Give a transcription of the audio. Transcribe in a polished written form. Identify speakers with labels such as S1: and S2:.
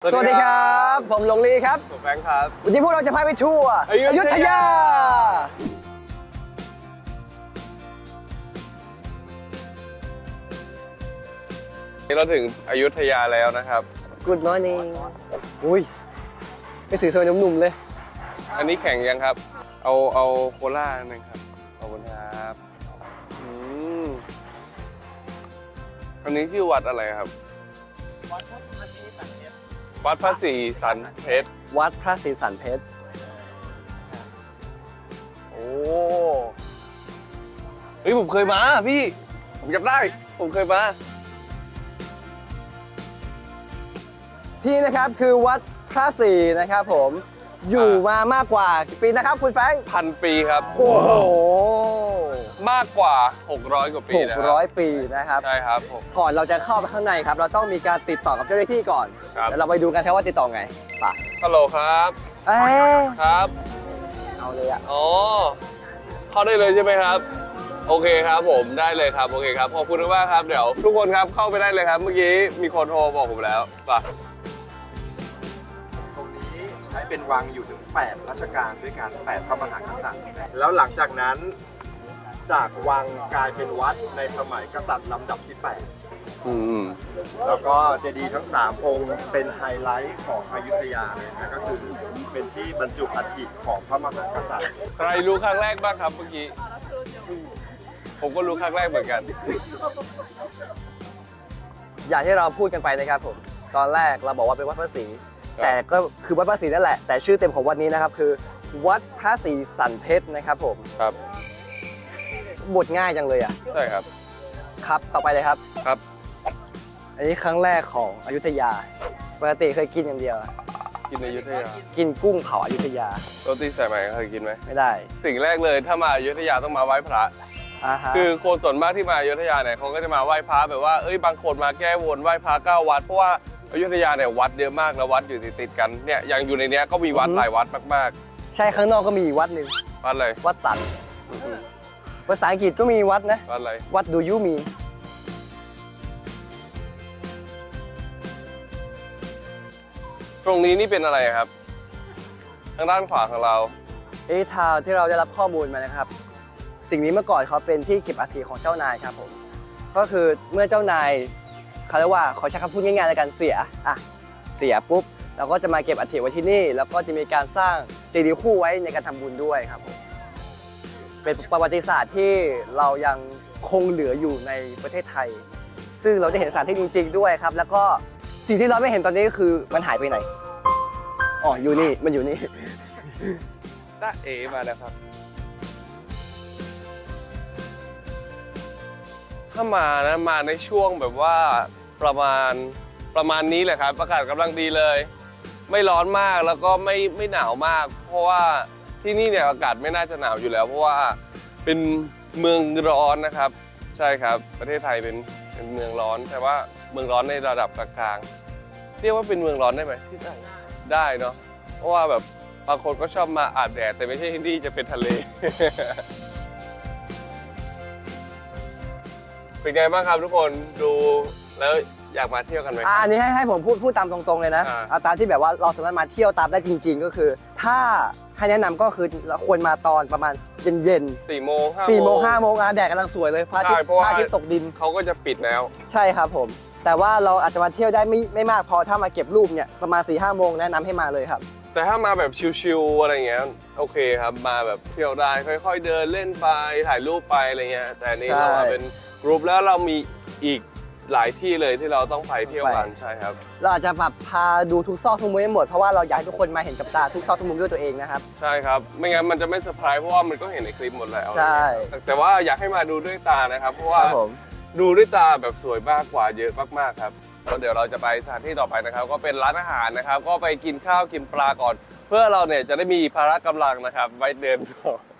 S1: สวัสดีครับผมหลงลีครับ
S2: ผมแบงค์ครับ
S1: วันนี้พวกเราจะพาไปทัวร์อยุธยา
S2: เราถึงอยุธยาแล้วนะครับ
S1: Good morning อุ้ยไม่ถือสวยหนุ่มๆเลย
S2: อันนี้แข่งยังครับ เอาโคล่าหนึ่งครับขอบคุณครับอันนี้ชื่อวัดอะไรครับ วัดพระศรีสันเพชร
S1: วัดพระศรีสันเพชรโอ้
S2: เฮ้ยผมเคยมาพี่ผมจำได้ผมเคยมา
S1: ที่นะครับคือวัดพระศรีนะครับผมอยู่มามากกว่ากี่ปีนะครับคุณแฟรงค์
S2: 1,000 ปีครับ
S1: โอ้โห
S2: มากกว่า600 กว่าปีนะครับ
S1: 600 ปีนะครับ
S2: ใช่ครับผม
S1: ก่อนเราจะเข้าไปข้างในครับเราต้องมีการติดต่อกับเจ้าหน้าที่ก่อน
S2: ครับ
S1: แล้วเราไปดูกันครับว่าติดต่อไงป่ะ
S2: ฮัลโหลครับ
S1: เอ้ย
S2: ครับ
S1: เอาเลยอะ
S2: อ๋อเข้าได้เลยใช่ไหมครับโอเคครับผมได้เลยครับโอเคครับขอบคุณมากครับเดี๋ยวทุกคนครับเข้าไปได้เลยครับเมื่อกี้มีคนโทรบอกผมแล้วป่ะ
S3: ตรงนี้ใช้เป็นวังอยู่ถึง8รัชกาลด้วยกัน8พระมหากษัตริย์แล้วหลังจากนั้นจากวังกลายเป็นวัดในสมัยกษัตริย์ลำดับที่ 8 แล้วก็เจดีย์ทั้ง 3 องค์เป็นไฮไลท์ของอยุธยาเลยนะก็คือเป็นที่บรรจุอัฐิของพระมหากษัตริย์
S2: ใครรู้ครั้งแรกบ้างครับเมื่อกี้ผมก็รู้ครั้งแรกเหมือนกัน
S1: อย่างที่เราพูดกันไปนะครับผมตอนแรกเราบอกว่าเป็นวัดพระศรี
S2: ครับ
S1: แต่ก็คือวัดพระศรีนั่นแหละแต่ชื่อเต็มของวัดนี้นะครับคือ วัดพระศรีสันเพชรนะครับผม
S2: ครับ
S1: บทง่ายจังเลยอ่ะ
S2: ใช่ครับ
S1: ครับต่อไปเลยครับ
S2: ครับ
S1: อันนี้ครั้งแรกของอยุธยาปกติเคยกินอย่างเดียว
S2: กินในอยุธยา
S1: กินกุ้งเผาอยุธยา
S2: โรตีสายไหมเคยกินไหม
S1: ไม่ได้
S2: สิ่งแรกเลยถ้ามาอยุธยาต้องมาไหว้พระ
S1: อ่าฮะ
S2: คือคนส่วนมากที่มาอยุธยาเนี่ยเขาก็จะมาไหว้พระแบบว่าเอ้ยบางคนมาแก้วนไหว้พระ9 วัดเพราะว่าอยุธยาเนี่ยวัดเยอะมากแล้ววัดอยู่ติดๆกันเนี่ยอย่างอยู่ในเนี้ยก็มีวัดหลายวัดมาก
S1: ใช่ข้างนอกก็มีอีกวัดหนึ่ง
S2: ๆวัดอะไร
S1: วัดสัน
S2: อืม
S1: ภาษาอังกฤษก็มีวัดนะ
S2: วัดอะไร
S1: วัดดูยูมี
S2: ตรงนี้นี่เป็นอะไรครับทางด้านขวาของเรา
S1: ทาวที่เราได้รับข้อมูลมานะครับ สิ่งนี้เมื่อก่อนเขาเป็นที่เก็บอัฐิของเจ้านายครับผมก็คือเมื่อเจ้านายเขาเรียกว่าขอใช้คำพูดง่ายๆในการเสียปุ๊บเราก็จะมาเก็บอัฐิไว้ที่นี่ แล้วก็จะมีการสร้างเจดีย์คู่ไว้ในการทำบุญด้วยครับผมเป็นประวัติศาสตร์ที่เรายังคงเหลืออยู่ในประเทศไทย ซึ่งเราได้เห็นสถานที่จริงๆด้วยครับ แล้วก็สิ่งที่เราไม่เห็นตอนนี้ก็คือมันหายไปไหนอ๋ออยู่นี่มันอยู่นี่
S2: ตาเอมาแล้วครับถ้ามานะมาในช่วงแบบว่าประมาณนี้แหละครับอากาศกำลังดีเลย ไม่ร้อนมากแล้วก็ไม่หนาวมาก เพราะว่าที่นี่เนี่ยอากาศไม่น่าจะหนาวอยู่แล้ว เพราะว่าเป็นเมืองร้อนนะครับ ใช่ครับประเทศไทยเป็นเมืองร้อนแต่ว่าเมืองร้อนในระดับกลางๆเรียกว่าเป็นเมืองร้อนได้ไหมที่ได้เนาะเพราะว่าแบบบางคนก็ชอบมาอาบแดดแต่ไม่ใช่ที่นี่จะเป็นทะเล เป็นไงบ้างครับทุกคนดูแล้วอยากมาเที่ยวกันไหม
S1: อันนี้ให้ผมพูดตามตรงๆเลยนะ เอาตามที่แบบว่าเราสามารถมาเที่ยวตามได้จริงๆ ก็คือ ถ้าให้แนะนำก็คือเราควรมาตอนประมาณเย็น
S2: 4 โมง 5
S1: 4 โมง 5 โมงแดดกำลังสวยเลยพระอาทิต
S2: ใช่
S1: ย์
S2: เพราะว่า
S1: ตกดิน
S2: เขาก็จะปิดแล้ว
S1: ใช่ครับผม แต่ว่าเราอาจจะมาเที่ยวได้ไม่มากพอถ้ามาเก็บรูปเนี่ยประมาณ 4-5 โมงแนะนำให้มาเลยครับ
S2: แต่ถ้ามาแบบชิลๆอะไรเงี้ยโอเคครับมาแบบเที่ยวได้ค่อยๆเดินเล่นไปถ่ายรูปไปอะไรเงี้ยแต่อันนี่
S1: ใช่
S2: เรามาเป็นกรุ๊ปแล้วเรามีอีกหลายที่เลยที่เราต้องไปเที่ยวกันใช่ครับ
S1: เราอาจจะแบบพาดูทุกซอกทุกมุมให้หมดเพราะว่าเราอยากให้ทุกคนมาเห็นกับตาทุกซอกทุกมุมด้วยตัวเองนะครับ
S2: ใช่ครับไม่งั้นมันจะไม่เซอร์ไพรส์เพราะว่ามันก็เห็นในคลิปหมดแล้ว
S1: ใช่
S2: แต่ว่าอยากให้มาดูด้วยตานะครับเพราะว่า
S1: ครับผม
S2: ดูด้วยตาแบบสวยมากกว่าเยอะมากๆครับแล้วเดี๋ยวเราจะไปสถานที่ต่อไปนะครับ ก็เป็นร้านอาหารนะครับ ก็ไปกินข้าวกินปลาก่อน เพื่อเราเนี่ยจะได้มีพละกำลังนะครับไว้เดินต่อ